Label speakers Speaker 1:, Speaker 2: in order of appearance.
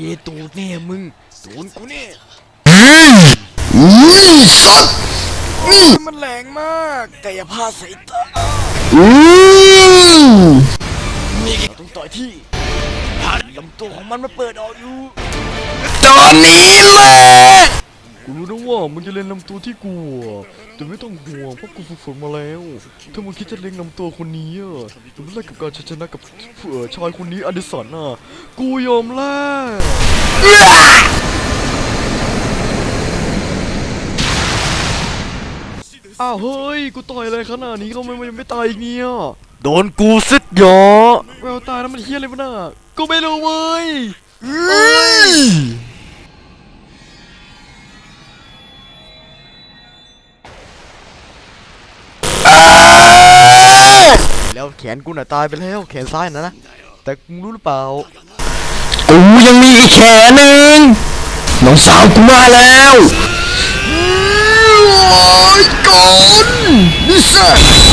Speaker 1: ตูดแน่มึงตูนกูเนี่ย
Speaker 2: สัตว์
Speaker 1: มันแรงมากกายภาพสายตานี่เราต้องต่อยที่ลำตัวของมันเปิดออกอยู่
Speaker 2: ตอนนี้แหละ
Speaker 3: กูรู้นะว่ามึงจะเล่นลำตัวที่กูแต่ไม่ต้องห่วงเพราะกูฝึกฝนมาแล้วถ้ามึงคิดจะเล่นลำตัวคนนี้จะไม่ไล่กับการชนะกับชายคนนี้อดิสันกูยอมแลกอ้าวเฮ้ยกูต่อยอะไรขนาดนี้เขาไม่ตายอีกเนี่ย
Speaker 1: โดนกูซึดหยอ
Speaker 3: แววตาแล้วมันเฮี้ยอะไรวะน่ะกูไม่รู้เว้ยแล้วแขนกูน่ะตายไปแล้วแขนซ้ายนะแต่มึงรู้หรือเปล่า
Speaker 2: กูยังมีอีกแขนหนึ่งน้องสาวกูมาแล้วโอ้ยก่อนนี่แซ่